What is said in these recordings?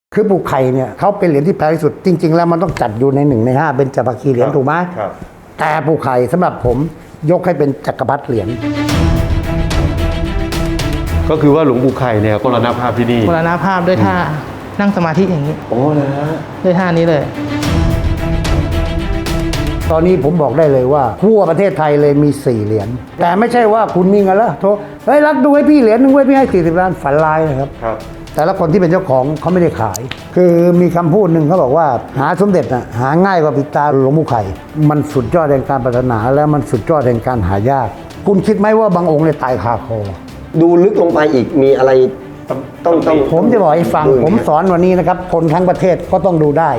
คือปู่ไข่เนี่ยเขาเป็นเหรียญที่แพงที่สุดจริงๆแล้วมันต้องจัดอยู่ใน1 ใน 5เป็นจักรพรรดิเหรียญถูกไหมครับแต่ปู่ไข่สำหรับผมยกให้เป็นจักรพรรดิเหรียญก็คือว่าหลวงปู่ไข่เนี่ยมรณภาพที่นี่มรณภาพด้วยท่านั่งสมาธิอย่างนี้โอ้นะฮะด้วยท่านี้เลยตอนนี้ผมบอกได้เลยว่าทั่วประเทศไทยเลยมี4เหรียญแต่ไม่ใช่ว่าคุณมีเงินแล้วโทรเฮ้ยรักดูให้พี่เหรียญนึงไว้พี่ให้40 ล้านฝันลายนะครับแต่ละคนที่เป็นเจ้าของเขาไม่ได้ขาย คือมีคำพูดหนึ่งเขาบอกว่าหาสมเด็จน่ะหาง่ายกว่าปิดตาหลวงปู่ไข่มันสุดยอดแห่งการปรารถนาและมันสุดยอดแห่งการหายากคุณคิดไหมว่าบางองค์เนี่ยตายคาคอดูลึกลงไปอีกมีอะไรต้องผมจะบอกให้ฟังผมสอนวันนี้นะครับคนทั้งประเทศก็ต้องดูได้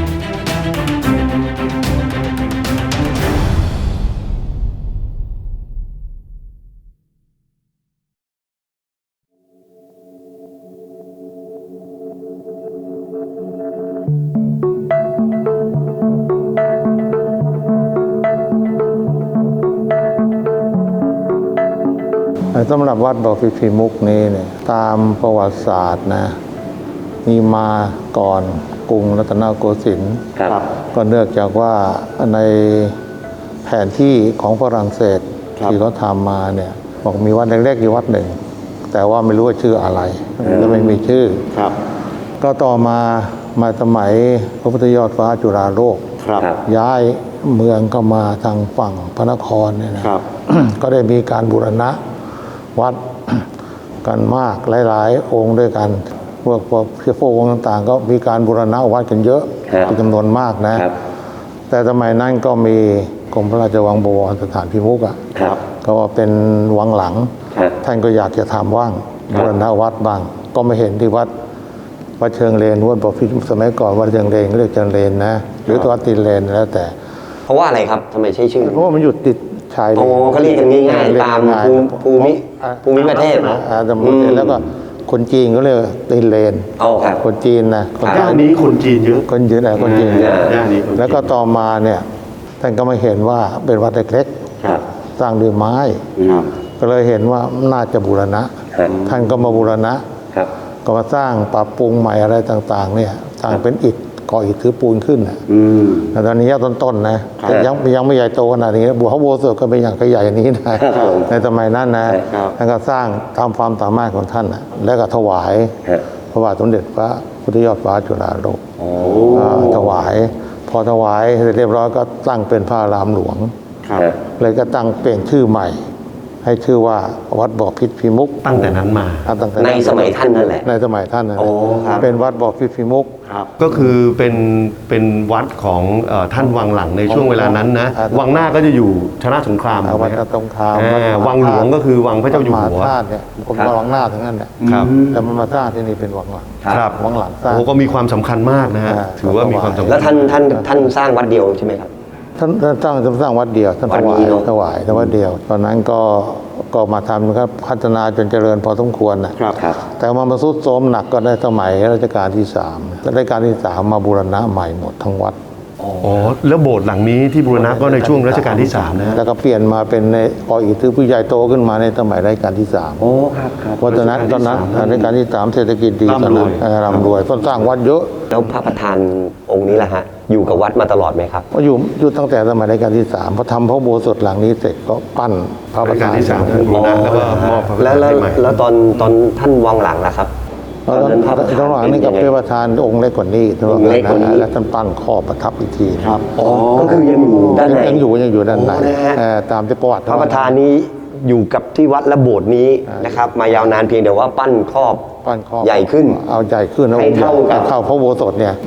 สำหรับวัดบ่อพิพิมุกนี้เนี่ยตามประวัติศาสตร์นะมีมาก่อนกรุงรัตนโกสินทร์ก็เนื่องจากว่าในแผนที่ของฝรั่งเศสที่เขาทำมาเนี่ยบอกมีวัดเล็กๆอยู่วัดหนึ่งแต่ว่าไม่รู้ว่าชื่ออะไรก็ไม่มีชื่อก็ต่อมาสมัยพระพุทธยอดฟ้าจุฬาโลกย้ายเมืองเข้ามาทางฝั่งพระนครเนี่ยนะก็ได้มีการบูรณะวัดกันมากหลายๆองค์ด้วยกันพวกองค์ต่างๆก็มีการบูรณะวัดกันเยอะเป็นจำนวนมากนะแต่สมัยนั้นก็มีกรมพระราชวังบวรสถานพิมุกก็เป็นวังหลังท่านก็อยากจะทำว่างบูรณะวัดบ้างก็ไม่เห็นที่วัดเชิงเลนวัดบ่อพิสมัยก่อนวัดเชิงเลนเรียกเชิงเลนนะหรือวัดตีนเลนแล้วแต่เพราะว่าอะไรครับทำไมใช้ชื่อเพราะว่ามันอยู่ติดชายเลนเขาเรียกกันง่ายๆตามภูมิประเทศแล้วก็คนจีนก็เรียกตีนเลนคนจีนนะย่านนี้คนจีนเยอะคนจีนคนจีนแล้วก็ต่อมาเนี่ยท่านก็มาเห็นว่าเป็นวัดเล็กๆสร้างด้วยไม้ก็เลยเห็นว่าน่าจะบูรณะท่านก็มาบูรณะก็มาสร้างปรับปรุงใหม่อะไรต่างๆเนี่ยสร้างเป็นอิฐก่ออิฐถือปูนขึ้นแต่ตอนนี้ต้นๆนะยังไม่ใหญ่โตขนาดนี้บัวเขาโบสถ์ก็เป็นอย่างใหญ่อย่างนี้นะในสมัยนั้นนะท่านก็สร้างตามความสามารถของท่านแล้วก็ถวายพระบาทสมเด็จพระพุทธยอดฟ้าจุฬาโลกถวายพอถวายเรียบร้อยก็ตั้งเป็นพระอารามหลวงเลยก็ตั้งเปลี่ยนชื่อใหม่ให้ชื่อว่าวัดบ่อพิพิมุกตั้งแต่นั้นมาในสมัยท่านนั่นแหละในสมัยท่านนั่นแหละเป็นวัดบ่อพิพิมุกก็คือเป็นวัดของท่านวังหลังในช่วงเวลานั้นนะวังหน้าก็จะอยู่ชนะสงครามวัดสงครามวังหลวงก็คือวังพระเจ้าอยู่หัวเนี่ยผมวังหน้าทั้งนั้นแหละแต่มันมาสร้างที่นี่เป็นวังหลังวังหลังสร้างก็มีความสำคัญมากนะฮะถือว่ามีความสำคัญแล้วท่านสร้างวัดเดียวใช่ไหมครับท่านสร้างวัดเดียวท่านถวายวัดเดียวตอนนั้นก็มาทำครับพัฒนาจนเจริญพอสมควรนะครับแต่มาทรุดโทรมหนักก็ได้สมัยรัชกาลที่3รัชกาลที่3มาบูรณะใหม่หมดทั้งวัดแล้วโบสถ์หลังนี้ที่บูรณะก็ในช่วงรัชกาลที่3นะแล้วก็เปลี่ยนมาเป็นในก่ออิฐถือผู้ใหญ่โตขึ้นมาในสมัยรัชกาลที่3เพราะตอนนั้นรัชกาลที่3เศรษฐกิจดีตอนนั้นร่ำรวยต้นสร้างวัดเยอะแล้วพระประธานองค์นี้ล่ะฮะอยู่กับวัดมาตลอดไหมครับอยู่ตั้งแต่สมัยรัชกาลที่3พอทำพระอุโบสถหลังนี้เสร็จก็ปั้นพระประธานที่3บูรณะแล้วก็มอบพระประธานใหม่แล้วตอนท่านวังหลังล่ะครับตอนหลังนี่กับพระประธานองค์เล็กกว่านี้แล้วท่านปั้นข้อประทับอีกทีก็คือยังอยู่ด้านในยังอยู่ด้านในตามที่ประวัติพระประธานนี้อยู่กับที่วัดและโบสถ์นี้นะครับมายาวนานเพียงแต่ว่าปั้นครอบใหญ่ขึ้นเอาใหญ่ขึ้นให้เท่ากับพระอุโบสถเนี่ย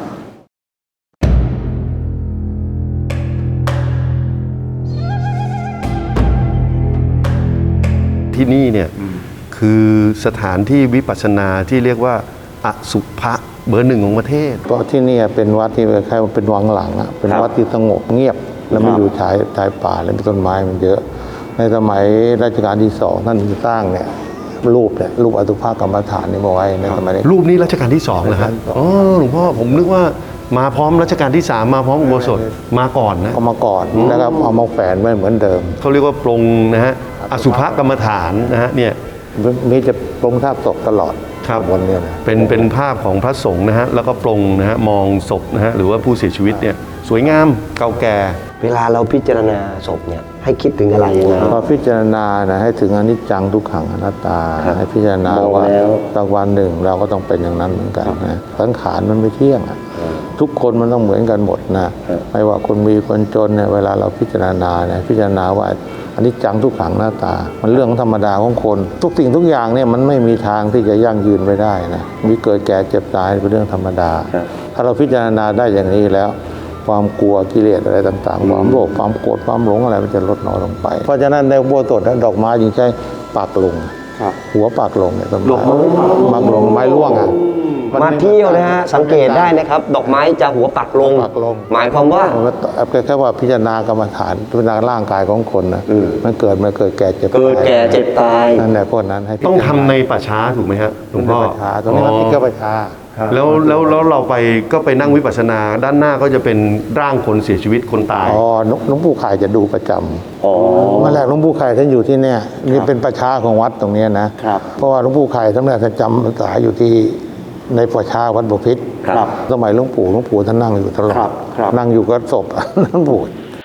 ที่นี่เนี่ยคือสถานที่วิปัสสนาที่เรียกว่าอสุภะเบอร์ 1ของประเทศเพราะที่นี่เป็นวัดที่คล้ายๆเป็นวังหลังเป็นวัดที่สงบเงียบแล้วมันอยู่ชายป่าแล้วมีต้นไม้มันเยอะในสมัยรัชกาลที่2ท่านสร้างเนี่ยรูปอสุภกรรมฐานนี่มาไว้ในสมัยนี้รูปนี้รัชกาลที่2นะฮะหลวงพ่อผมนึกว่ามาพร้อมรัชกาลที่3มาพร้อมอุโบสถมาก่อนนะเอามาก่อนแล้วก็เอามาแฝงไว้เหมือนเดิมเขาเรียกว่าปรงนะฮะอสุภกรรมฐานนะฮะเนี่ยมีจะปรงท่าศพตลอดคครับวันเนี้ยนะเป็นภาพของพระสงฆ์นะฮะแล้วก็ปรงนะฮะมองศพนะฮะหรือว่าผู้เสียชีวิตเนี่ยสวยงามเก่าแก่เวลาเราพิจารณาศพเนี่ยให้คิดถึงอะไรยังไงพอพิจารณานะให้ถึงอนิจจังทุกขังอนัตตา ให้พิจารณามองว่าแล้วสักวันหนึ่งเราก็ต้องเป็นอย่างนั้นเหมือนกันนะสังขารมันไม่เที่ยงอะทุกคนมันต้องเหมือนกันหมดนะไม่ว่าคนมีคนจนเนี่ยเวลาเราพิจารณาเนี่ยพิจารณาว่าอนิจจังทุกขังอนัตตา มันเรื่องธรรมดาของคน ทุกสิ่งทุกอย่างเนี่ยมันไม่มีทางที่จะยั่งยืนไปได้นะมีเกิดแก่เจ็บตายเป็นเรื่องธรรมดา ถ้าเราพิจารณาได้อย่างนี้แล้ว ความกลัวกิเลสอะไรต่างๆ ความโลภความโกรธความหลงอะไรมันจะลดน้อยลงไป เพราะฉะนั้นในอุโบสถดอกไม้จึงใช้ปากลงหัวปากลงเนี่ยต้นไม้ปากลงไม้ร่วงอ่ะมาเที่ยวนะฮะสังเกตได้นะครับ ดอกไม้จะหัวปักลงปักลงหมายความว่าแค่ว่าพิจารณากรรมฐานพิจารณาร่างกายของคนนะมันเกิดแก่เจ็บเกิดแก่เจ็บตายนั่นแหละพวกนั้นให้พิจารณาต้องทำในป่าช้าถูกไหมฮะหลวงพ่อประชาตรงนี้มันติดกับประชาแล้วเราไปก็ไปนั่งวิปัสสนาด้านหน้าก็จะเป็นร่างคนเสียชีวิตคนตายอ๋อหลวงปู่ไข่จะดูประจำเมื่อแรกหลวงปู่ไข่ท่านอยู่ที่เนี่ยนี่เป็นประชาของวัดตรงเนี้ยนะครับ เพราะว่าหลวงปู่ไข่ท่านแรกท่านจำพรรษาอยู่ที่ในประชาวัดบพิตรครับสมัยหลวงปู่ท่านนั่งอยู่ตลอดครับนั่งอยู่กับศพ หลวงปู่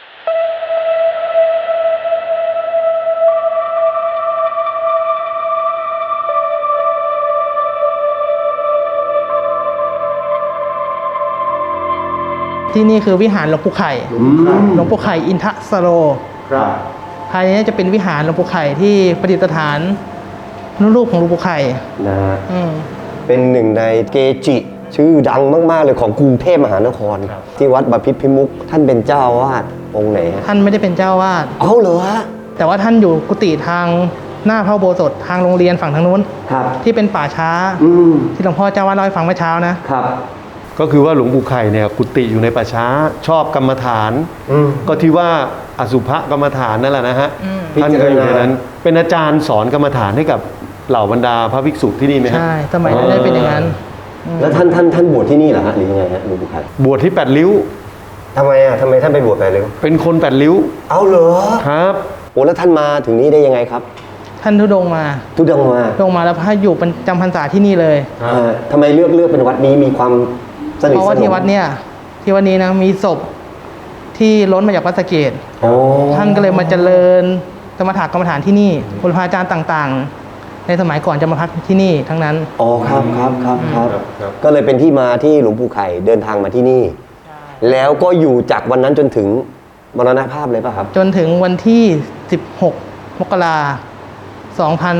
ที่นี่คือวิหารหลวงปู่ไข่หลวงปู่ไข่อินทสโรภายในนี้จะเป็นวิหารหลวงปู่ไข่ที่ประดิษฐานรูปของหลวงปู่ไข่นะฮะอืมเป็นหนึ่งในเกจิ ชื่อดังมากๆเลยของกรุงเทพมหานคร ที่วัดบพิตรพิมุขท่านเป็นเจ้าอาวาสองค์ไหนฮะท่านไม่ได้เป็นเจ้าวาดเอาเหรอฮะแต่ว่าท่านอยู่กุฏิทางหน้าพระอุโบสถทางโรงเรียนฝั่งทางนู้นครับที่เป็นป่าช้าอืมที่หลวงพ่อเจ้าวาดเล่าให้ฟังเมื่อเช้านะครับก็คือว่าหลวงปู่ไข่เนี่ยกุฏิอยู่ในป่าช้าชอบกรรมฐาน ก็ที่ว่าอสุภกรรมฐานนั่นแหละนะฮะท่านก็อยู่ในนั้น เป็นอาจารย์สอนกรรมฐานให้กับเหล่าบรรดาพระภิกษุที่นี่ไหมฮะใช่สมัยนั้นได้เป็นอย่างนั้นแล้วท่านบวชที่นี่เหรอฮะหรือยังไงฮะหลวงปู่ไข่บวชที่แปดริ้วทำไมท่านไปบวชไปเลยเป็นคนแปดริ้วเอาเหรอครับโอ้แล้วท่านมาถึงนี้ได้ยังไงครับท่านทุดงค์มาทุดงค์มาลงมาแล้วพระอยู่เป็นจำพรรษาที่นี่เลยทำไมเลือกเป็นวัดนี้มีความสนิทเพราะสว่าน ที่วัดมเนี่ยที่วัดนี้นะมีศพที่ล้นมาจากวัดสะเกษโอ้ท่านก็เลยมาเจริญสมถะกรรมฐานที่นี่ครูบาอาจารย์ต่างๆ ในสมัยก่อนจะมาพักที่นี่ทั้งนั้นอ๋อครับก็เลยเป็นที่มาที่หลวงปู่ไข่เดินทางมาที่นี่ แล้วก็อยู่จากวันนั้นจนถึงมรณภาพเลยป่ะครับจนถึงวันที่ 16 มกราคม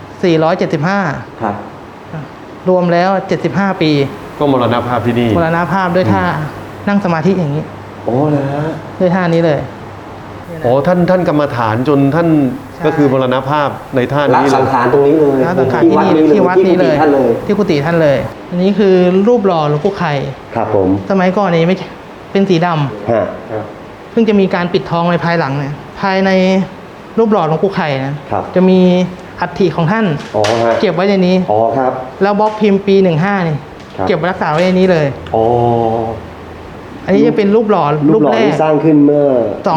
2475 ครับรวมแล้ว 75 ปีก็มรณภาพที่นี่มรณภาพด้วยท่านั่งสมาธิอย่างนี้โอ้เลยฮะด้วยท่านี้เลยโอ้ท่านกรรมฐานจนท่านใช่ก็คือมรณภาพในท่าละนี้เลสังยขารตรงนี้เลยแล้วสังขารที่นี่ที่วัดนี้เลยท่านเลยที่กุฏิท่านเลย อันนี้คือรูปหล่อหลวงปู่ไข่ครับผมสมัยก่อนนี้ไม่เป็นสีดำฮะเพิ่งจะมีการปิดทองในภายหลังเนี่ยภายในรูปหล่อหลวงปู่ไข่นะครับ จะมีอัฐิของท่านอ๋อฮะเก็บไว้ในนี้อ๋อครับแล้วบล็อกพิมพ์ปี 15นี่ครับเก็บไว้รักษาไว้ในนี้เลยอ๋ออันนี้จะเป็นรูปหล่อรูปหล่อแรกที่สร้างขึ้นเมื่อ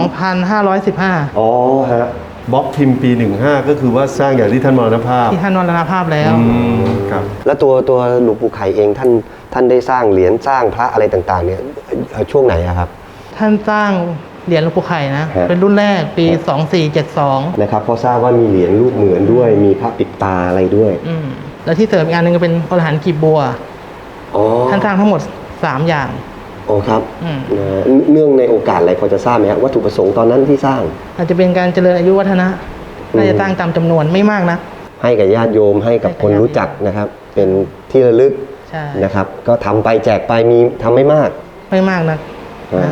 2,515 อ๋อฮะบล็อกพิมพ์ปี 15 ก็คือว่าสร้างอย่างที่ท่านมรณภาพที่ท่านมรณภาพแล้วครับแล้วตัวหลวงปู่ไข่เองท่านได้สร้างเหรียญสร้างพระอะไรต่างๆเนี่ยช่วงไหนอะครับท่านสร้างเหรียญหลวงปู่ไข่นะฮะเป็นรุ่นแรกปี 2472 นะครับเพราะทราบว่ามีเหรียญรูปเหมือนด้วยมีพระปิดตาอะไรด้วยแล้วที่เสริมอีกอันหนึงก็เป็นอรหันต์กีบบัวอ๋อท่านสร้างทั้งหมด 3 อย่างโอ้ครับอืมเนื่องในโอกาสอะไรพอจะทราบไหมครับวัตถุประสงค์ตอนนั้นที่สร้างอาจจะเป็นการเจริญอายุวัฒนะน่าจะสร้างตามจำนวนไม่มากนะให้กับญาติโยมให้กับคนรู้จักนะครับ เป็นที่ระลึกใช่นะครับ ก็ทำไปแจกไปมีทำไม่มากไม่มากนะอ่า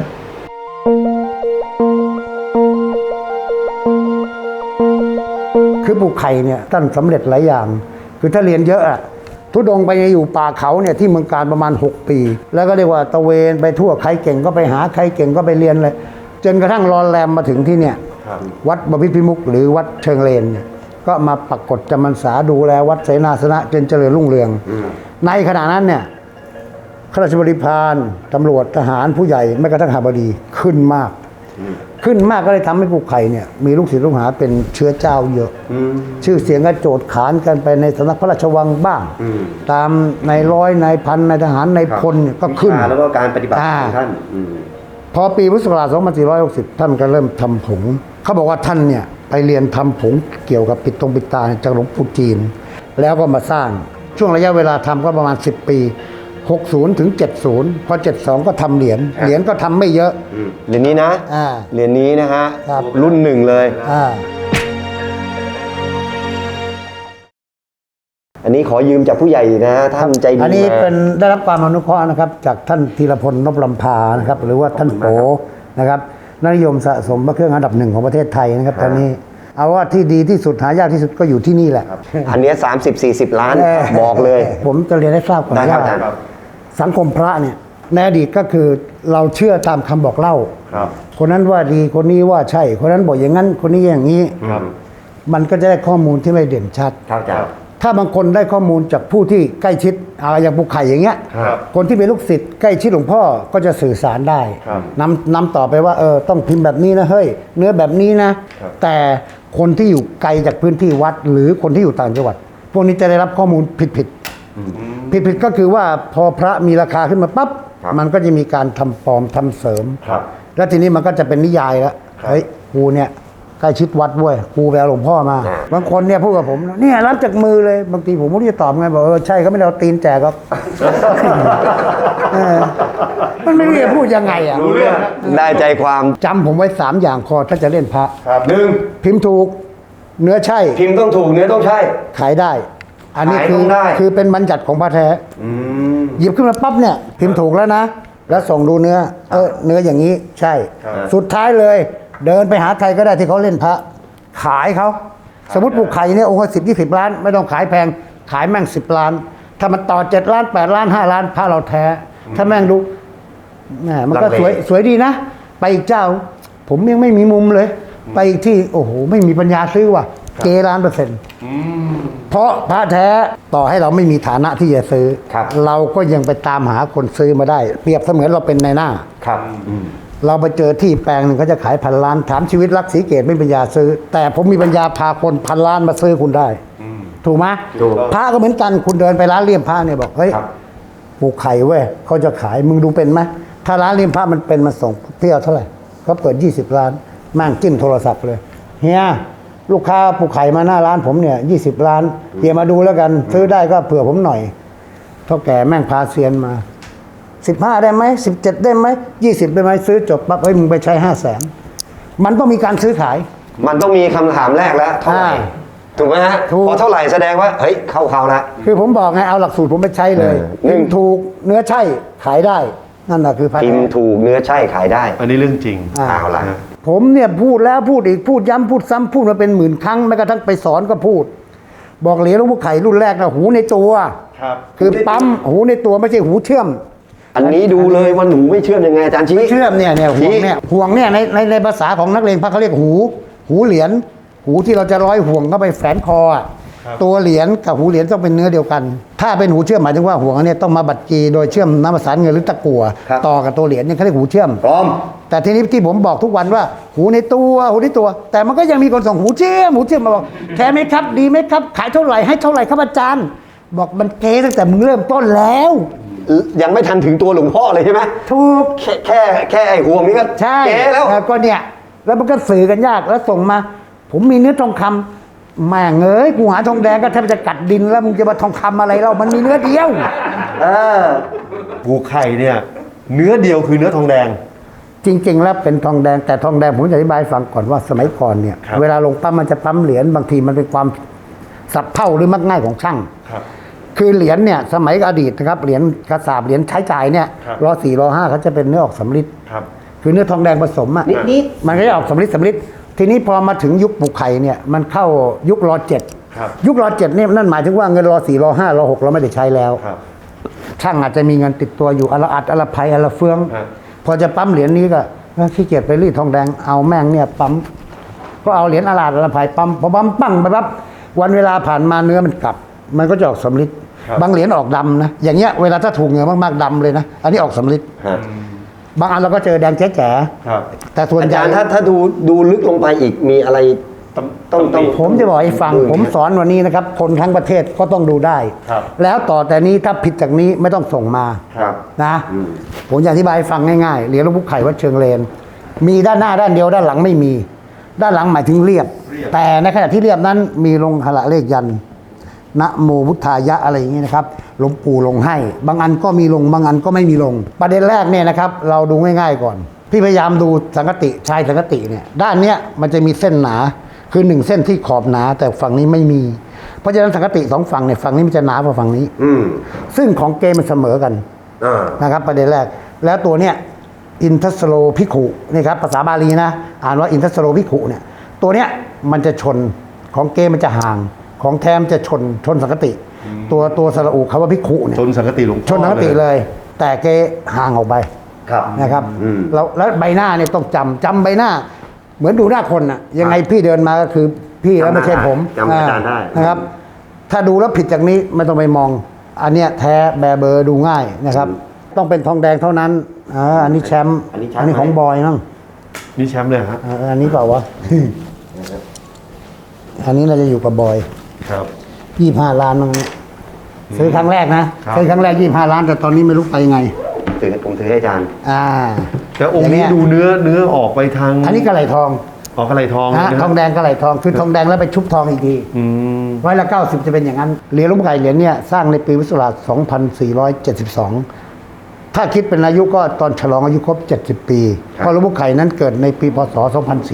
คือปลูกไข่เนี่ยท่านสำเร็จหลายอย่าง คือถ้าเรียนเยอะอะทุดงไปอยู่ป่าเขาเนี่ยที่เมืองการประมาณ 6 ปี แล้วก็เรียกว่าตะเวนไปทั่วใครเก่งก็ไปหาใครเก่งก็ไปเรียนเลยจนกระทั่งรอนแรมมาถึงที่เนี่ยวัดบพิตรพิมุขหรือวัดเชิงเลนเนี่ยก็มาปรากฏจำพรรษาดูแลวัดเสนาสนะจนเจริญรุ่งเรือง ในขณะนั้นเนี่ยข้าราชบริพารตำรวจทหารผู้ใหญ่แม้กระทั่งข้าบดีขึ้นมากขึ้นมากก็เลยทำให้ภูไข่เนี่ยมีลูกศิษย์ลูกหาเป็นเชื้อเจ้าเยอะชื่อเสียงก็โจทย์ขานกันไปในสำนักพระราชวังบ้าง ตามในร้อยในพันในทหารในพลเนี่ยก็ขึ้นแล้วก็การปฏิบัติของท่านพอปีพุทธศักราช 2460 ท่านก็เริ่มทำผงเขาบอกว่าท่านเนี่ยไปเรียนทำผงเกี่ยวกับปิดตาจากหลวงปู่จีน แล้วก็มาสร้างช่วงระยะเวลาทำก็ประมาณ 10 ปี 60 ถึง 70 พอ 72 ก็ทำเหรียญก็ทำไม่เยอะเหรียญนี้นะอ่าเหรียญนี้นะฮะครับรุ่นหนึ่งเลย อันนี้ขอยืมจากผู้ใหญ่นะท่านใจดีอันนี้มาเป็นได้รับความอนุเคราะห์นะครับจากท่านธีรพลนพลำพานะครับหรือว่าท่านโปนะครับนักนิยมสะสมพระเครื่องอันดับหนึ่งของประเทศไทยนะครับตอนนี้เอาว่าที่ดีที่สุดหายากที่สุดก็อยู่ที่นี่แหละอันเนี้ย30-40 ล้านบอกเลยผมจะเรียนให้ทราบก่อนได้ครับว่าอาจารย์สังคมพระเนี่ยในอดีตก็คือเราเชื่อตามคำบอกเล่าครับคนนั้นว่าดีคนนี้ว่าใช่ คนนั้นบอกอย่างนั้นคนนี้อย่างนี้ครับมันก็จะได้ข้อมูลที่ไม่เด่นชัดครับอาจารย์ถ้าบางคนได้ข้อมูลจากผู้ที่ใกล้ชิดอย่างภูไข่อย่างเงี้ยครับคนที่เป็นลูกศิษย์ใกล้ชิดหลวงพ่อก็จะสื่อสารได้ครับนำต่อไปว่าต้องพิมพ์แบบนี้นะเฮ้ยเนื้อแบบนี้นะครับแต่คนที่อยู่ไกลจากพื้นที่วัด หรือคนที่อยู่ต่างจังหวัด พวกนี้จะได้รับข้อมูลผิดก็คือว่าพอพระมีราคาขึ้นมาปั๊บมันก็จะมีการทำปลอมทำเสริมครับแล้วทีนี้มันก็จะเป็นนิยายแล้วเฮ้ยกูเนี่ยใกล้ชิดวัดเว้ยกูไปเอาหลวงพ่อมา บางคนเนี่ยพูดกับผมเนี่ยรับจากมือเลยบางทีผมไม่รู้จะตอบไงบอกใช่เขาไม่ได้เอาตีนแจกหรอก มันไม่รู้จะพูดยังไงอ่ะรู้เรื่องได้ใจความจำผมไว้3อย่างพอถ้าจะเล่นพระครับพิมพ์ถูก เนื้อใช่พิมพ์ต้องถูกเนื้อต้องใช่ขายได้ อันนี้ขายคืต้องได้คือเป็นบัญญัติของพระแท้หยิบขึ้นมาปั๊บเนี่ยพิมพ์ถูกแล้วนะ แล้วส่งดูเนื้อเนื้ออย่างนี้ใช่ สุดท้ายเลย เดินไปหาใครก็ได้ที่เขาเล่นพระ ขายเขาสมมติปลูกไข่เนี่ยองค์ละ10-20 ล้าน ไม่ต้องขายแพงขายแม่ง10 ล้าน ถ้ามันต่อ7 ล้าน8 ล้าน5 ล้านพระเราแท้ ถ้าแม่งดูแหมมันก็ลังเลสวยดีนะ ไปอีกเจ้า ผมยังไม่มีมุมเลย ไปอีกที่โอ้โหไม่มีปัญญาซื้อว่ะเก1,000,000%เพราะพระแท้ต่อให้เราไม่มีฐานะที่จะซื้อครับเราก็ยังไปตามหาคนซื้อมาได้ เปรียบเสมือนเราเป็นนายหน้าครับเราไปเจอที่แปลงหนึ่งเขาจะขาย1,000 ล้านถามชีวิตรักศรีเกตไม่มีปัญญาซื้อ แต่ผมมีปัญญาพาคน1,000 ล้านมาซื้อคุณได้ ถูกไหมถูกพระก็เหมือนกันคุณเดินไปร้านเลี่ยมพระเนี่ยบอกเฮ้ยครับปลูกไข่เว้ยเขาจะขายมึงดูเป็นไหมถ้าร้านเลี่ยมพระมันเป็นมันส่งเที่ยวเท่าไหร่เขาเปิด20 ล้านแม่งจิ้มโทรศัพท์เลยเฮียลูกค้าปลูกไข่มาหน้าร้านผมเนี่ย20 ล้านเฮียมาดูแล้วกัน ซื้อได้ก็เผื่อผมหน่อยเท่าแก่แม่งพาเซียนมา15ได้ไหม17ได้ไหม20ได้ไหมซื้อจบปั๊บเฮ้ยมึงไปใช้500,000มันต้องมีการซื้อขายมันต้องมีคำถามแรกแล้วเท่าไหร่ ถูกไหมฮะถูกพอเท่าไหร่แสดงว่า เฮ้ย เข้าเขาแล้วคือผมบอกไงเอาหลักสูตรผมไปใช้เลยหนึ่งพิมพ์ถูกเนื้อใช่ขายได้นั่นแหละคือพระพิมแท้พ์ถูกเนื้อใช่ขายได้อันนี้เรื่องจริงเอาละผมเนี่ยพูดแล้วพูดอีกพูดย้ำพูดซ้ำพูดมาเป็นหมื่นครั้งแม้กระทั่งไปสอนก็พูด บอกเหรียญหลวงพ่อไข่รุ่นแรกนะหูในตัวครับคือปั๊มหูในตัวไม่ใช่หูเชื่อมอันนี้ดูเลยว่าหนูไม่เชื่อมยังไงอาจารย์ชี้เชื่อมเนี่ยห่วงเนี่ยห่วงเนี่ยในภาษาของนักเลงพระเขาเรียกหูเหรียญหูที่เราจะร้อยห่วงเข้าไปแฝนคออะตัวเหรียญกับหูเหรียญต้องเป็นเนื้อเดียวกัน ถ้าเป็นหูเชื่อมหมายถึงว่าห่วงอันเนี้ยต้องมาบัดกีโดยเชื่อมน้ำประสานเงินหรือตะกั่วต่อกับตัวเหรียญเนี่ยเขาเรียกหูเชื่อมพร้อมแต่ทีนี้ที่ผมบอกทุกวันว่าหูในตัว แต่มันก็ยังมีคนส่งหูเชื่อมมาบอกแท้ไหมครับดีไหมครับ ขายเท่าไหร่ให้เท่าไหร่ครับอาจารย์ บอกมันเก๋ตั้งแต่มึงเริ่มต้นแล้วยังไม่ทันถึงตัวหลวงพ่อเลยใช่ไหมถูกแค่ไอ้ห่วงนี้ก็ใช่เก๋แล้วก็เนี่ยแล้วมันก็สื่อกันยากแล้วส่งมา ผมมีเนื้อทองคำแม่งเอ้ยกูหาทองแดงก็แทบจะกัดดินแล้วมึงจะมาทองคำอะไรเรามันมีเนื้อเดียวปูไข่เนี่ยเนื้อเดียวคือเนื้อทองแดงจริง ๆ แล้วเป็นทองแดงแต่ทองแดงผมจะอธิบายให้ฟังก่อนว่าสมัยก่อนเนี่ยครับเวลาลงปั๊มมันจะปั๊มเหรียญบางทีมันเป็นความสับเท่าหรือมักง่ายของช่างครับคือเหรียญเนี่ยสมัยอดีตนะครับเหรียญกระสาบเหรียญใช้จ่ายเนี่ยครับรอ4รอ5เขาจะเป็นเนื้อออกสำริดครับคือเนื้อทองแดงผสมอ่ะนิดมันก็จะออกสำริดทีนี้พอมาถึงยุคปลูกไข่เนี่ยมันเข้ายุครอ7 ครับยุครอ7เนี่ยนั่นหมายถึงว่าเงินรอ4รอ5รอ6เราไม่ได้ใช้แล้วครับช่างอาจจะมีเงินติดตัวอยู่อนละอัดอนละไพอนละเฟืองครับพอจะปั๊มเหรียญนี้ก็ขี้เกียจไปรีดทองแดงเอาแม่งเนี่ยปั๊มก็เอาเหรียญอนละอัดอนละไพปั๊มพอปั๊มปั้งไปปั๊บวันเวลาผ่านมาเนื้อมันกลับ มันก็จะออกสำริดครับบางเหรียญออกดำนะอย่างเงี้ยเวลาถ้าถูกเหงื่อมากๆดำเลยนะอันนี้ออกสำริดฮะบางอันเราก็เจอแดงแจ๋ครับแต่ส่วนอาใหญ่จารย์ถ้าดูลึกลงไปอีกมีอะไรต้องผมจะบอกให้ฟังผมสอนวันนี้นะครับคนทั้งประเทศก็ต้องดูได้ครับแล้วต่อแต่นี้ถ้าผิดจากนี้ไม่ต้องส่งมาครับนะผมจะอธิบายให้ฟังง่ายๆเหรียญหลวงปู่ไข่วัดเชิงเลน มีด้านหน้าด้านเดียวด้านหลังไม่มี ด้านหลังหมายถึงเรียบ แต่ในขณะที่เรียบนั้นมีลงหละเลขยันต์นะโมพุทธายะอะไรอย่างนี้นะครับหลวงปู่ลงให้ บางอันก็มีลงบางอันก็ไม่มีลง ประเด็นแรกเนี่ยนะครับเราดูง่ายๆก่อน พี่พยายามดูสังกติชายสังกติเนี่ยด้านเนี้ยมันจะมีเส้นหนาคือหนึ่งเส้นที่ขอบหนาแต่ฝั่งนี้ไม่มี เพราะฉะนั้นสังกติสองฝั่งเนี่ยฝั่งนี้มันจะหนากว่าฝั่งนี้ ซึ่งของเกมมันเสมอกันนะครับประเด็นแรกแล้วตัวเนี้ยอินทัสโลภิกขุนี่ครับภาษาบาลีนะอ่านว่าอินทัสโลภิกขุเนี่ยตัวเนี้ยมันจะชนของเกมมันจะห่างของแทมจะชนสังกติ ตัวสระอุคำว่าภิกขุเนี่ยชนสังกติหลวงพ่อชนสังกติเลย แต่เกห่างออกไปครับนะครับแล้วใบหน้าเนี่ยต้องจำใบหน้า เหมือนดูหน้าคนน่ะยังไงพี่เดินมาก็คือพี่แล้วไม่ใช่ผมจำอาจารย์ได้นะครับ ถ้าดูแล้วผิดจากนี้ไม่ต้องไปมอง อันเนี้ยแท้แบเบอร์ดูง่ายนะครับ ต้องเป็นทองแดงเท่านั้นอันนี้แชมป์อันนี้แชมป์อันนี้ของบอยมั้งนี่แชมป์เลยฮะอันนี้เปล่าวะ อันนี้เราจะอยู่กับบอยครับ 25 ล้านมั้งเนี่ยซื้อครั้งแรกนะครับ ซื้อครั้งแรก25 ล้าน แต่ตอนนี้ไม่รู้ไปยังไงผมถือให้อาจารย์แต่องค์นี้ย่าดูเนื้อออกไปทางอันนี้กระไหลทองออกอะไรทองนะนะทองแดงกระไหลทองคือทองแดงแล้วไปชุบทองอีกทีอืม 190 จะเป็นอย่างนั้นเหรียญหลวงปู่ไข่เหรียญเนี่ยสร้างในปีพุทธศักราช2472 ถ้าคิดเป็นอายุก็ตอนฉลองอายุครบ 70 ปีเพราะหลวงปู่ไข่นั้นเกิดในปีพศ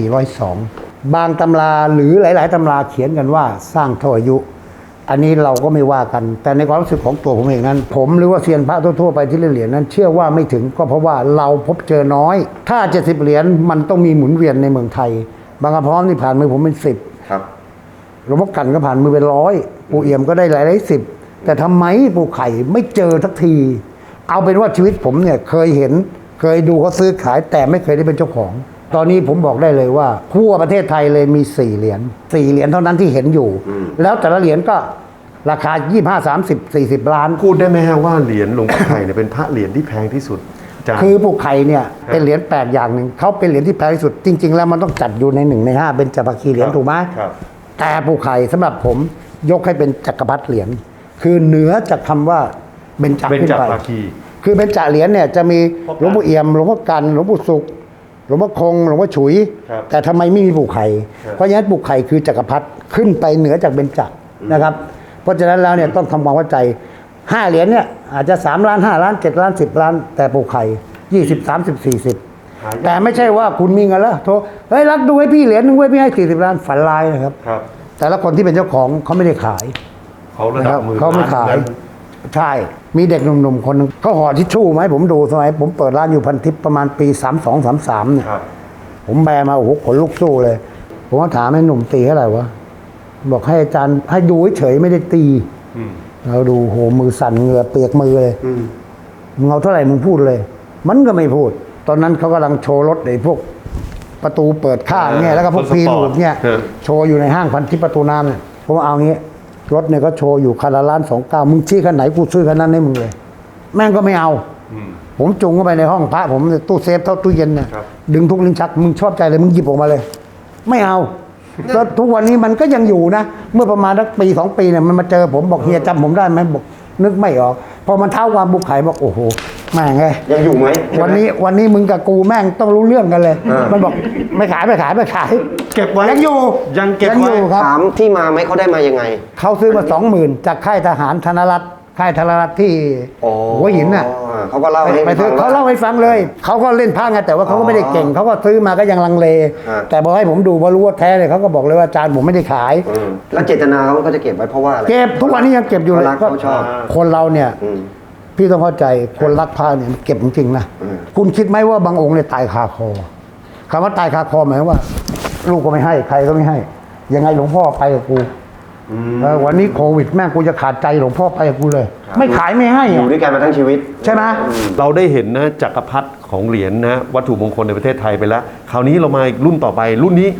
2402 บางตำราหรือหลาย ๆ ตำราเขียนกันว่าสร้างเท่าอายุ อันนี้เราก็ไม่ว่ากัน แต่ในความรู้สึกของตัวผมเองนั้น ผมหรือว่าเซียนพระทั่วๆไปที่เล่นเหรียญนั้น เชื่อว่าไม่ถึงก็เพราะว่าเราพบเจอน้อย ถ้า 70 เหรียญมันต้องมีหมุนเวียนในเมืองไทย บางกระพร้อมที่ผ่านมือผมเป็น 10 ครับหลวงพ่อกันก็ผ่านมือเป็น100ปู่เอี่ยมก็ได้หลายสิบแต่ทำไมปู่ไข่ไม่เจอสักที เอาเป็นว่าชีวิตผมเนี่ยเคยเห็นเคยดูเขาซื้อขายแต่ไม่เคยได้เป็นเจ้าของ ตอนนี้ผมบอกได้เลยว่าทั่วประเทศไทยเลยมี4 เหรียญ4 เหรียญเท่านั้นที่เห็นอยู่ แล้วแต่ละเหรียญก็ราคา 25 30 40 ล้านพูดได้ไหมฮะว่าเหรียญหลวงปู่ไข่เนี่ยเป็นพระเหรียญที่แพงที่สุดอาจารย์คือปู่ไข่เนี่ยเป็นเหรียญแปลกอย่างหนึ่งเขาเป็นเหรียญที่แพงที่สุด จริง ๆ แล้วมันต้องจัดอยู่ใน1 ใน 5เป็นจักรพรรดิเหรียญถูกไหมครับแต่ปู่ไข่สำหรับผมยกให้เป็นจักรพรรดิเหรียญคือเหนือจากคำว่าเบญจเบญขึ้นจไปภาคีคือเบญจเหรียญเนี่ยจะมีหลวงปู่เอี่ยมหลวงพ่อกันหลวงปู่สุขหลวงพ่อคงหลวงพ่อฉุยครับแต่ทำไมไม่มีปู่ไข่เพราะฉะนั้นปู่ไข่คือจักรพรรดิขึ้นไปเหนือจากเบญจนะครับ เพราะฉะนั้นแล้วเนี่ยต้องทำความเข้าใจ5 เหรียญเนี่ยอาจจะ3 ล้าน5 ล้าน7 ล้าน10 ล้าน แต่ปู่ไข่20 30 40 แต่ไม่ใช่ว่าคุณมีเงินแล้วโทรเฮ้ยรักดูให้พี่เหรียญนึงไว้พี่ให้40 ล้านฝันลายนะครับครับแต่ละคนที่เป็นเจ้าของเขาไม่ได้ขายเขาระนะดัครับ บมือเขาไม่ขาย ใช่ มีเด็กหนุ่มๆคนหนึงเขาห่อทิชชู่มาให้ผมดูสมัยผมเปิดร้านอยู่พันทิพย์ประมาณปี 32 33เนี่ยครับผมแบมาโอ้โหขนลุกสู้เลย ผมก็ถามไอ้หนุ่มตีเท่าไหร่วะบอกให้อาจารย์ให้ดูเฉยๆไม่ได้ตีอืมเราดูโหมือสั่นเหงื่อเปียกมือเลยมึงเอาเท่าไหร่มึงพูดเลย มันก็ไม่พูด ตอนนั้นเขากำลังโชว์รถไอ้พวกประตูเปิดข้างเนี่ยแล้วก็พวกพีรูดเนี่ยโชว์อยู่ในห้างพันทิพย์ประตูน้ำเนี่ยผมเอางี้รถเนี่ยก็โชว์อยู่คันละ1,29,000มึงชี้คันไหนกูซื้อคันนั้นให้มึงเลย แม่งก็ไม่เอา ผมจุงเข้าไปในห้องพระผมตู้เซฟเท่าตู้เย็นเนี่ยดึงทุกลิ้นชักมึงชอบใจเลยมึงหยิบออกมาเลย ไม่เอาก็ทุกวันนี้มันก็ยังอยู่นะ เมื่อประมาณสักปี 2 ปีเนี่ยมันมาเจอผมบอกเฮียจำผมได้ไหมบอกนึกไม่ออก พอมันเท้าความบุกไข่บอกโอ้โหแม่งไงยังอยู่ไหมวันนี้มึงกับกูแม่งต้องรู้เรื่องกันเลย มันบอกไม่ขายเก็บไว้ยังอยู่ยังเก็บอไว้ยู่ครับถามที่มาไหมเขาได้มายังไงเขาซื้อมา 20,000จากค่ายทหารธนรัตน์ค่ายธนรัตน์ที่หัวหินน่ะเขาก็เล่าให้ไปซื้อฟังเขาว่าเล่าให้ฟังเลย เขาก็เล่นผ้าไงแต่ว่าเขาก็ไม่ได้เก่ง เขาก็ซื้อมาก็ยังลังเลอ่าแต่พอให้ผมดูพอรู้ว่าแท้เลยเขาก็บอกเลยว่าอาจารย์ผมไม่ได้ขายแล้วเจตนาเขาก็จะเก็บไว้เพราะว่าอะไรเก็บทุกวันนี้ยังเก็บอยู่เลยเขารักเขาชอบคนเราเนี่ยอืมพี่ต้องเข้าใจคนรักผ้าเนี่ยเก็บจริงๆนะอืมคุณคิดไหมว่าบางองค์เนี่ยตายคาคอคำว่าตายคาคอหมายความว่า ลูกก็ไม่ให้ใครก็ไม่ให้ ยังไงหลวงพ่อไปกับกูวันนี้โควิดแม่งกูจะขาดใจหลวงพ่อไปกับกูเลย ไม่ขายไม่ให้อยู่อะด้วยกันมาทั้งชีวิตใช่ไหมเราได้เห็นนะจักรพรรดิของเหรียญนะวัตถุมงคลในประเทศไทยไปแล้ว คราวนี้เรามาอีกรุ่นต่อไปรุ่นนี้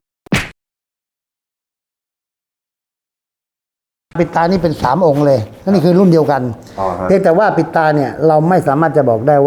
ปิดตานี่เป็น3 องค์เลยนี่คือรุ่นเดียวกันอ๋อฮะเพียงแต่ว่าปิดตาเนี่ยเราไม่สามารถจะบอกได้ว่า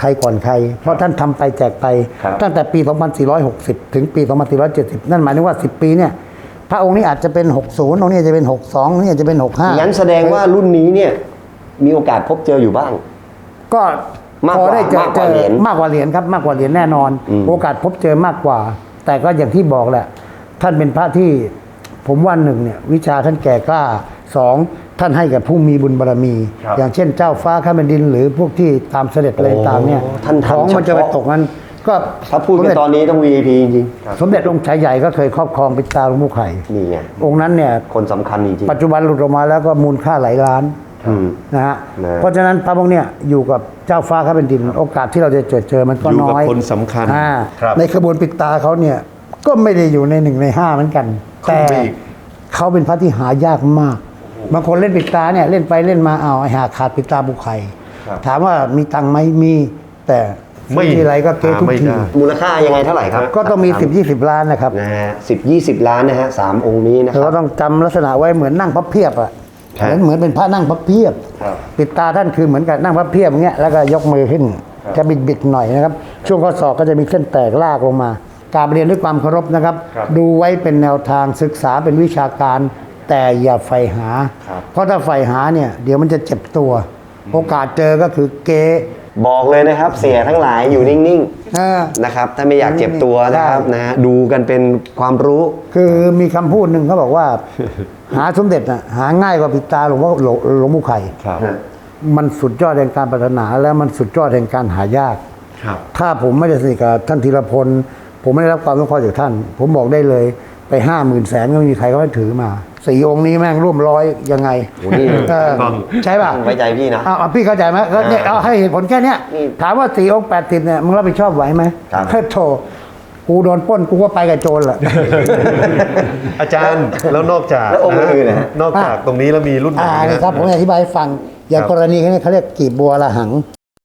รก่อนใคร เพราะท่านทำไปแจกไปครับตั้งแต่ปี 2460 ถึงปี 2470 นั่นหมายถึงว่า 10 ปีเนี่ยพระองค์นี้อาจจะเป็น 60 องค์นี้อาจจะเป็น 62 องค์นี้อาจจะเป็น 65 งั้นแสดงว่ารุ่นนี้เนี่ยมีโอกาสพบเจออยู่บ้างก็มากพกอว่าได้เจอมากกว่าเหรียญมากกว่าเหรียญครับมากกว่าเหรียญแน่นอน โอกาสพบเจอมากกว่า แต่ก็อย่างที่บอกแหละ ท่านเป็นพระที่ผมว่าหนึ่งเนี่ยวิชาท่านแก่กล้าสองท่านให้กับผู้มีบุญบารมี อย่างเช่นเจ้าฟ้าข้าแผ่นดิน หรือพวกที่ตามเสด็จอะไรต่างเนี่ยท่านทำของมันจะไปเฉพาะตกนั้นก็ถ้าพูดกันตอนนี้ต้อง VIP จริงสมเด็จองค์ชายใหญ่ก็เคยครอบครองปิดตาหลวงปู่ไข่ๆนี่ไงองค์นั้นเนี่ยคนสำคัญจริงปัจจุบันหลุดออกมาแล้วก็มูลค่าหลายล้านอืมนะฮะนะเพราะฉะนั้นพระองค์เนี่ยอยู่กับเจ้าฟ้าข้าแผ่นดิน โอกาสที่เราจะเจอมันก็อยู่น้กับอยคนสำคัญครับในขบวนปิดตาเขาเนี่ยก็ไม่ได้อยู่ใน1 ใน 5เหมือนกัน แต่ไปอีกเขาเป็นพระที่หายากมากบางคนเล่นปิดตาเนี่ยเล่นไปเล่นมาเอาไอ้หาขาดปิดตาบุคไข่ถามว่ามีตังค์ไหมมีแต่ไม่ทีไรก็เก๊ทุกหาไม่ทีได้มูลค่ายังไงเท่าไหร่ครับก็ต้องมี10-20 ล้านนะครับนะฮะ10-20 ล้านนะฮะ3องค์นี้นะคเรารับก็ต้องจำลักษณะไว้เหมือนนั่งพับเพียบอะครับเหมือนเป็นพระนั่งพับเพียบครับปิดตาท่านคือเหมือนกับนั่งพับเพียบอย่างเงี้ยแล้วก็ยกมือขึ้นจะบิดหน่อยนะครับ ช่วงข้อศอกก็จะมีเส้นแตกลากลงมากราบเรียนด้วยความเคารพนะครับ ดูไว้เป็นแนวทางศึกษาเป็นวิชาการ แต่อย่าใฝ่หา เพราะถ้าใฝ่หาเนี่ยเดี๋ยวมันจะเจ็บตัว โอกาสเจอก็คือเกบอกเลยนะครับเสียทั้งหลายอยู่นิ่งเออๆนะครับถ้าไม่อยากเจ็บตัวนะครับใช่นะฮะดูกันเป็นความรู้คือมีคำพูดหนึ่งเขาบอกว่า หาสมเด็จน่ะหาง่ายกว่าปิดตาหลวงพ่อหลวงปู่ไข่ครับมันสุดยอดแห่งการปรารถนาและมันสุดยอดแห่งการหายากครับถ้าผมไม่ได้สนิทกับท่านธีรพล ผมไม่ได้รับความสงเคราะห์จากท่าน ผมบอกได้เลยไป 50,000 แสนก็ไม่มีใครเขาให้ถือมา4 องค์นี้แม่งร่วมร้อยยังไงโอ้นี่เออต้องใช่ป่ะไว้ใจพี่นะเอาพี่เข้าใจไหมก็เนี่ยเอาให้เหตุผลแค่เนี้ยนี่ถามว่า4 องค์ 80เนี่ยมึงรับผิดชอบไหวไหมครับเฮ้ยโถกูโดนปล้นกูก็ไปกับโจรแหละอาจารย์แล้วนอกจากแล้วองค์อื่นนะฮะนอกจากตรงนี้แล้วมีรุ่นไหนนี่นะครับผมจะอธิบายให้ฟัง อย่างครับกรณีนี้เขาเรียกกีบบัวละหัง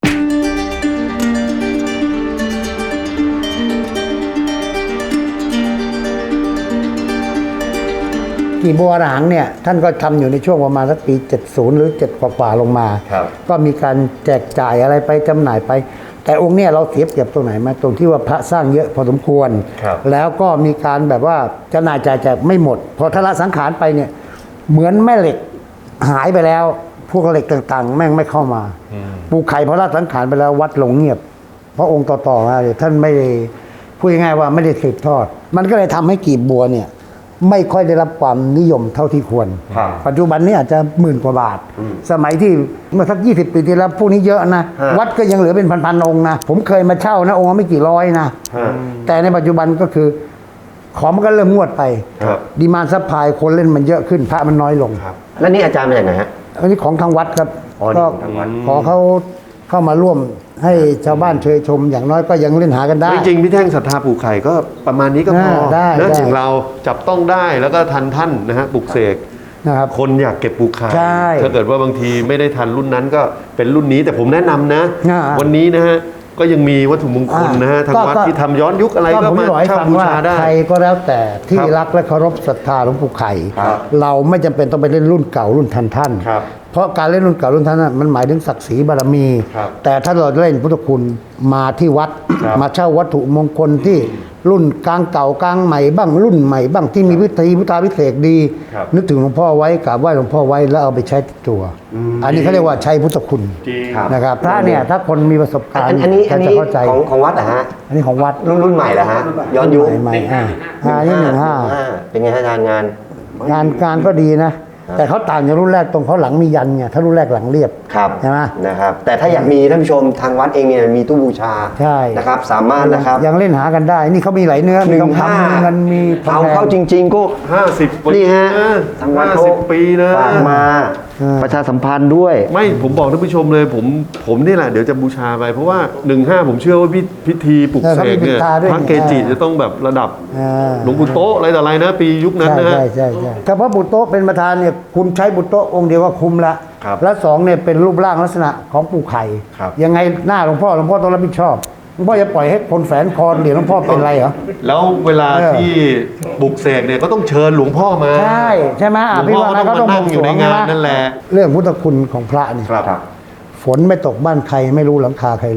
กีบบัวละหังเนี่ยท่านก็ทำอยู่ในช่วงประมาณสักปี 70 หรือ 7 กว่าๆลงมาครับก็มีการแจกจ่ายอะไรไปจำหน่ายไป แต่องค์เนี่ยเราเสียเปรียบตรงไหนมาตรงที่ว่าพระสร้างเยอะพอสมควรครับแล้วก็มีการแบบว่าจำหน่ายจ่ายแจกไม่หมด พอทละสังขารไปเนี่ยเหมือนแม่เหล็กหายไปแล้ว พวกเหล็กต่างๆ แม่งไม่เข้ามาปูไข่พอละสังขารไปแล้ววัดหลงเงียบ เพราะองค์ต่อๆมาเนี่ยท่านไม่ได้พูดง่ายๆว่าไม่ได้สืบทอด มันก็เลยทำให้กีบบัวเนี่ยไม่ค่อยได้รับความนิยมเท่าที่ควรครับปัจจุบันนี้อาจจะ10,000 กว่าบาท สมัยที่เมื่อสัก20 ปีที่แล้วพวกนี้เยอะนะ วัดก็ยังเหลือเป็นพันๆองค์นะ ผมเคยมาเช่านะองค์ละไม่กี่ร้อยนะ แต่ในปัจจุบันก็คือ ของมันก็เริ่มงวดไปครับดีมานด์ซัพพลายคนเล่นมันเยอะขึ้นพระมันน้อยลงแล้วนี่อาจารย์มาจากไหนฮะอันนี้ของทางวัดครับอ๋อนี่ก็ของทางวัดขอเขาเข้ามาร่วมให้ชาวบ้านเชยชม อย่างน้อยก็ยังเล่นหากันได้จริงๆพี่แท่งศรัทธาปู่ไข่ก็ประมาณนี้ก็พอได้นะได้อย่างเราจับต้องได้แล้วก็ทันท่านนะฮะปลุกเสกนะครับคนอยากเก็บปู่ไข่ใช่ถ้าเกิดว่าบางทีไม่ได้ทันรุ่นนั้นก็เป็นรุ่นนี้แต่ผมแนะนำนะอ่าวันนี้นะฮะก็ยังมีวัตถุมงคลนะฮะทางวัดที่ทำย้อนยุคอะไรก็ผมมาจะบอกให้เช่าฟังบูว่าชาได้ใครก็แล้วแต่ที่ครับรักและเคารพศรัทธาหลวงปู่ไข่ครับเราไม่จำเป็นต้องไปเล่นรุ่นเก่ารุ่นทันท่านครับเพราะการเล่นรุ่นเก่ารุ่นทันนั้นมันหมายถึงศักดิ์ศรีบารมีครับแต่ถ้าเราเล่นพุทธคุณมาที่วัดครับมาเช่าวัตถุมงคลที่รุ่นกลางเก่ากลางใหม่บ้างรุ่นใหม่บ้างที่มีพิธีพุทธาพิเศษกดีครับนึกถึงหลวงพ่อไว้กราบไหว้หลวงพ่อไว้แล้วเอาไปใช้ติดตัว อันนี้เขาเรียกว่าใช้พุทธคุณจริงครับนะครับพระเนี่ยถ้าคนมีประสบการณ์อันนี้จะเข้าใจของวัดเหรอฮะอันนี้ของวัดรุ่นใหม่เหรอฮะย้อนยุคใหม่นี่15 เป็นไงฮะอาจารย์งานงานก็ดีนะ แต่เขาต่างจากรุ่นแรกตรงเขาหลังมียันไงถ้ารุ่นแรกหลังเรียบครับใช่ไหมนะครับ แต่ถ้าอยากมีท่านผู้ชมทางวัดเองเนี่ยมีตู้บูชาใช่นะครับ สามารถนะครับยังเล่นหากันได้ นี่เขามีหลายเนื้อ มีทองคำมีเงินมีทองเอาแดเข้าง จริง ๆ ก็ 50 ปีนี่ฮะนะทางวัดเขา 50 ปีนะฝากมาประชาสัมพันธ์ด้วยไม่ผมบอกท่านผู้ชมเลยผมนี่แหละเดี๋ยวจะบูชาไป เพราะว่า 15 ผมเชื่อว่าพิธีปลุกเสกเนี่ยพระเกจิจะต้องแบบระดับหลวงปู่โตะอะไรต่ออะไรนะ ปียุคนั้นใช่นะฮะใช่ถ้าพระบุตรโตะเป็นประธานเนี่ยคุณใช้บุตรโตะองค์เดียวก็คุ้มละครับและสองเนี่ยเป็นรูปร่างลักษณะของปู่ไข่ครับยังไงหน้าหลวงพ่อต้องรับผิดชอบหลวงพ่อจะปล่อยให้คนแฝนคอเหรียญหลวงพ่อเป็นไรเหรอแล้วเวลาที่ปลุกเสกเนี่ยก็ต้องเชิญหลวงพ่อมาใช่ใช่ไหมหลวงพี่พ่อว่าก็นะต้องก็มานั่งอยู่ในงานนั่นแหละเรื่องพุทธคุณของพระเนี่ยครับฝนไม่ตกบ้านใครไม่รู้หลังคาใครรั่ว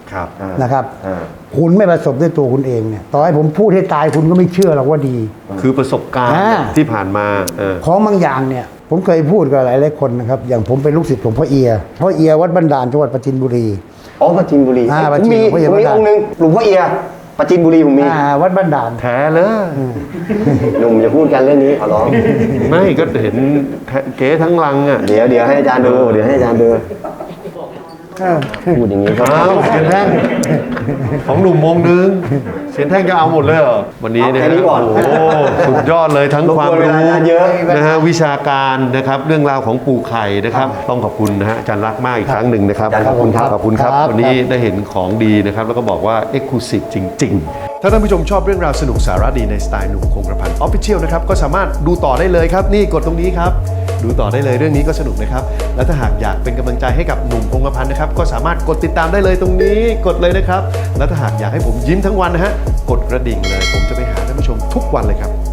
ครับนะครับ คุณไม่ประสบด้วยตัวคุณเองเนี่ยต่อให้ผมพูดให้ตายคุณก็ไม่เชื่อหรอกว่าดีคือประสบการณ์อ่าที่ผ่านมาาของบางอย่างเนี่ยผมเคยพูดกับหลายๆคนนะครับอย่างผมเป็นลูกศิษย์หลวงพ่อเอียวัดบันดาลจังหวัดปราจีนบุรีอ๋อปราจีนบุรีปราผมจีนมีหลวงพ่อเอียผมมีวัดองค์หนึงหลวงพ่อเอียปราจีนบุรีผมมีวัดบันดาลแท้เลยหนุ่มจะพูดกันเรื่องนี้ขอร้องไม่ก็เห็นเก๋ทั้งลังอ่ะเดี๋ยวให้อาจารย์ดูเดี๋ยวให้อาจารย์ดูพูดอย่างนี้ก็อ้าวเสียนแท่งของหนุ่มวงนึงเสียนแท่งก็เอาหมดเลยเหรอวันนี้เนี่ยเอาแค่นี้ก่อนโอ้โหสุดยอดเลยทั้งรบกวนความเวรู้ลาอาจารย์เยอะนะฮะวิชาการนะครับเรื่องราวของปู่ไข่นะครับต้องขอบคุณนะฮะอาจารย์รักมากอีกครั้งหนึ่งนะครับอาจารย์ขอบคุณครับขอบคุณครับวันนี้ได้เห็นของดีนะครับแล้วก็บอกว่า Exclusive จริง ๆ ถ้าท่านผู้ชมชอบเรื่องราวสนุกสาระดีในสไตล์หนุ่มคงกระพัน Official นะครับก็สามารถดูต่อได้เลยครับนี่กดตรงนี้ครับดูต่อได้เลยเรื่องนี้ก็สนุกนะครับและถ้าหากอยากเป็นกำลังใจให้กับหนุ่มคงกระพันนะครับก็สามารถกดติดตามได้เลยตรงนี้กดเลยนะครับและถ้าหากอยากให้ผมยิ้มทั้งวันนะฮะกดกระดิ่งเลยผมจะไปหาท่านผู้ชมทุกวันเลยครับ